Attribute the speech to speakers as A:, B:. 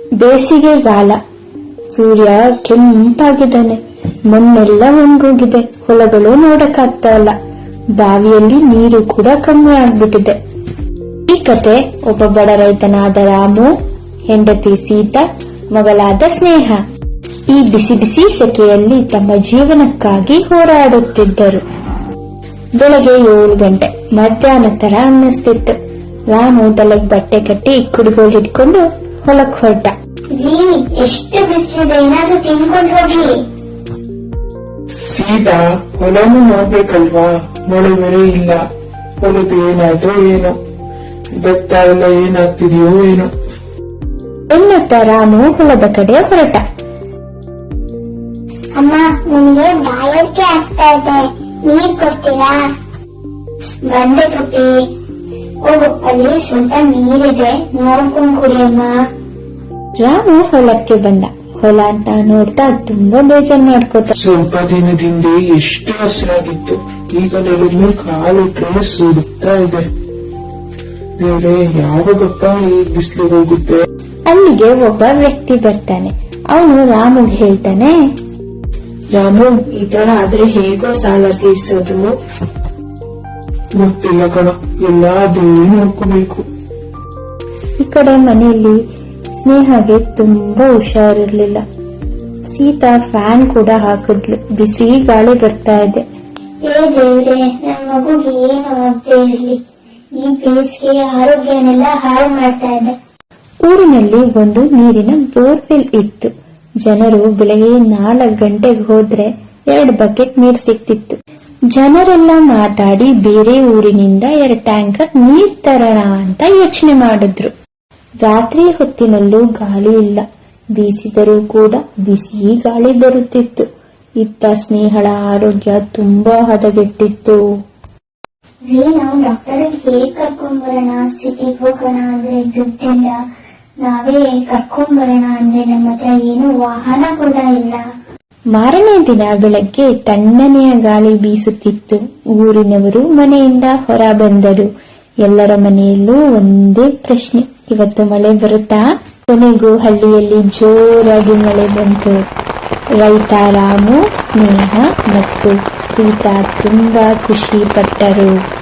A: ಬೇಸಿಗೆಗಾಲ. ಸೂರ್ಯ ಕೆಂಪಾಗಿದ್ದಾನೆ. ಮಣ್ಣೆಲ್ಲ ಒಣಗೋಗಿದೆ. ಹೊಲಗಳು ನೋಡಕ್ಕಾಗ್ತಾ ಇಲ್ಲ. ಬಾವಿಯಲ್ಲಿ ನೀರು ಕೂಡ ಕಮ್ಮಿ ಆಗ್ಬಿಟ್ಟಿದೆ. ಈ ಕತೆ ಒಬ್ಬ ಬಡ ರೈತನಾದ ರಾಮು, ಹೆಂಡತಿ ಸೀತಾ, ಮಗಳಾದ ಸ್ನೇಹ ಈ ಬಿಸಿ ಬಿಸಿ ಸೆಕೆಯಲ್ಲಿ ತಮ್ಮ ಜೀವನಕ್ಕಾಗಿ ಹೋರಾಡುತ್ತಿದ್ದರು. ಬೆಳಗ್ಗೆ 7 ಗಂಟೆ, ಮಧ್ಯಾಹ್ನ ತರ ಅನ್ನಿಸ್ತಿತ್ತು. ರಾಮು ತಲೆಗೆ ಬಟ್ಟೆ ಕಟ್ಟಿ ಕುಡುಗೋಲು ಹಿಡ್ಕೊಂಡು ಹೊಲಕ್ ಹೊರಟ.
B: ಎಷ್ಟು ಬಿಸಿಲಿದೆ, ಏನಾದ್ರೂ ತಿನ್ಕೊಂಡು ಹೋಗಿ.
C: ಸೀತಾ, ಹೊಲನು ನೋಡ್ಬೇಕಲ್ವಾ? ಮಳೆ ಬೇರೆ ಇಲ್ಲ. ಹೊಲದ ಏನಾಯ್ತೋ ಏನೋ, ಭತ್ತ ಎಲ್ಲ ಏನಾಗ್ತಿದೆಯೋ ಏನೋ
A: ಎನ್ನುತ್ತಾ ರಾಮು ಹೊಲದ ಕಡೆ ಹೊರಟ.
B: ಅಮ್ಮ, ನನಗೆ ಬಾಯಾರಿಕೆ ಆಗ್ತಾ ಇದೆ, ನೀರ್ ಕೊಡ್ತೀರಾ? ಬಂದೆ ಪುಟ್ಟಿ, ಹೋಗು, ಅಲ್ಲಿ ಸ್ವಲ್ಪ ನೀರಿದೆ, ನೋಡ್ಕೊಂಡ್ ಕುಡಿಯಮ್ಮ.
A: ರಾಮು ಹೊಲಕ್ಕೆ ಬಂದ. ಹೊಲ ಅಂತ ನೋಡ್ತಾ ತುಂಬಾ ಬೇಜಾರ್ ಮಾಡ್ಕೋತ.
C: ಸ್ವಲ್ಪ ದಿನದಿಂದ ಎಷ್ಟು ಹಸಿರಾಗಿತ್ತು, ಈಗ ನೆಲದ ಮೇಲೆ ಕಾಲಿಟ್ರೆ ಸುಡುತ್ತಾ ಇದೆ. ದೇವ್ರೆ, ಯಾವಾಗಪ್ಪ ಈ ಬಿಸಿಲು ಹೋಗುತ್ತೆ?
A: ಅಲ್ಲಿಗೆ ಒಬ್ಬ ವ್ಯಕ್ತಿ ಬರ್ತಾನೆ. ಅವನು ರಾಮುಗ್ ಹೇಳ್ತಾನೆ,
D: ರಾಮು, ಈ ತರ ಆದ್ರೆ ಹೇಗೋ ಸಾಲ ತೀರ್ಸೋದು?
C: ಗೊತ್ತಿಲ್ಲ ಕಣ, ಎಲ್ಲಾ ದೇವ್ರೇ ನೋಡ್ಕೋಬೇಕು.
A: ಈ ಕಡೆ ಮನೆಯಲ್ಲಿ ಸ್ನೇಹಗೆ ತುಂಬಾ ಹುಷಾರಿರ್ಲಿಲ್ಲ. ಸೀತಾ ಫ್ಯಾನ್ ಕೂಡ ಹಾಕಿದ್ಲು. ಬಿಸಿ ಗಾಳಿ ಬರ್ತಾ ಇದೆ.
B: ಏ ದೇವ್ರೆ, ನನ್ ಮಗುಗೆ ಏನು ಆಗದೆ ಇರ್ಲಿ, ಈ ಬೇಸಿಗೆ ಆರೋಗ್ಯನೆಲ್ಲ ಹಾಳು ಮಾಡ್ತಾ ಇದೆ.
A: ಊರಿನಲ್ಲಿ ಒಂದು ನೀರಿನ ಬೋರ್ವೆಲ್ ಇತ್ತು. ಜನರು ಬೆಳಗ್ಗೆ 4 ಗಂಟೆಗೆ ಹೋದ್ರೆ 2 ಬಕೆಟ್ ನೀರ್ ಸಿಕ್ತಿತ್ತು. ಜನರೆಲ್ಲ ಮಾತಾಡಿ ಬೇರೆ ಊರಿನಿಂದ 2 ಟ್ಯಾಂಕರ್ ನೀರ್ ತರೋಣ ಅಂತ ಯೋಚನೆ ಮಾಡಿದ್ರು. ರಾತ್ರಿ ಹೊತ್ತಿನಲ್ಲೂ ಗಾಳಿ ಇಲ್ಲ. ಬೀಸಿದರೂ ಕೂಡ ಬಿಸಿ ಗಾಳಿ ಬರುತ್ತಿತ್ತು. ಇತ್ತ ಸ್ನೇಹಳ ಆರೋಗ್ಯ ತುಂಬಾ ಹದಗೆಟ್ಟಿತ್ತು.
B: ನಾವು ಡಾಕ್ಟರ್ ಹೇಗ್ ಕರ್ಕೊಂಡ್ಬರೋಣ? ಸಿಟಿಗೆ ಹೋಗೋಣ ಅಂದ್ರೆ ದುಡ್ಡಿಲ್ಲ, ನಾವೇ ಕರ್ಕೊಂಡ್ಬರೋಣ ಅಂದ್ರೆ ನಮ್ಮ ಹತ್ರ ಏನು ವಾಹನ ಕೂಡ ಇಲ್ಲ.
A: ಮಾರನೇ ದಿನ ಬೆಳಗ್ಗೆ ತಣ್ಣನೆಯ ಗಾಳಿ ಬೀಸುತ್ತಿತ್ತು. ಊರಿನವರು ಮನೆಯಿಂದ ಹೊರ ಬಂದರು. ಎಲ್ಲರ ಮನೆಯಲ್ಲೂ ಒಂದೇ ಪ್ರಶ್ನೆ, ಇವತ್ತು ಮಳೆ ಬರುತ್ತಾ? ಕೊನೆಗೂ ಹಳ್ಳಿಯಲ್ಲಿ ಜೋರಾಗಿ ಮಳೆ ಬಂತು. ರೈತ ರಾಮು, ಸ್ನೇಹ ಮತ್ತು ಸೀತಾ ತುಂಬಾ ಖುಷಿ ಪಟ್ಟರು.